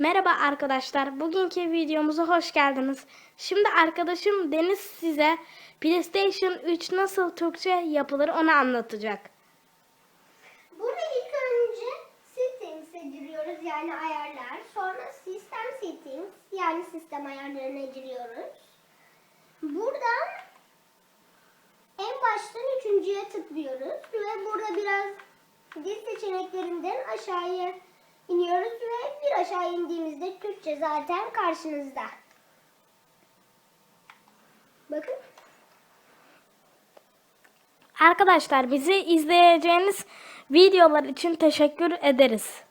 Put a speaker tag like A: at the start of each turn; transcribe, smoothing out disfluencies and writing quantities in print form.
A: Merhaba arkadaşlar, bugünkü videomuza hoş geldiniz. Şimdi arkadaşım Deniz size PlayStation 3 nasıl Türkçe yapılır onu anlatacak.
B: Burada ilk önce Settings'e giriyoruz, yani ayarlar. Sonra System Settings, yani sistem ayarlarına giriyoruz. Buradan en baştan üçüncüye tıklıyoruz ve burada biraz dil seçeneklerinden aşağıya iniyoruz ve bir aşağı indiğimizde Türkçe zaten karşınızda. Bakın.
A: Arkadaşlar bizi izleyeceğiniz videolar için teşekkür ederiz.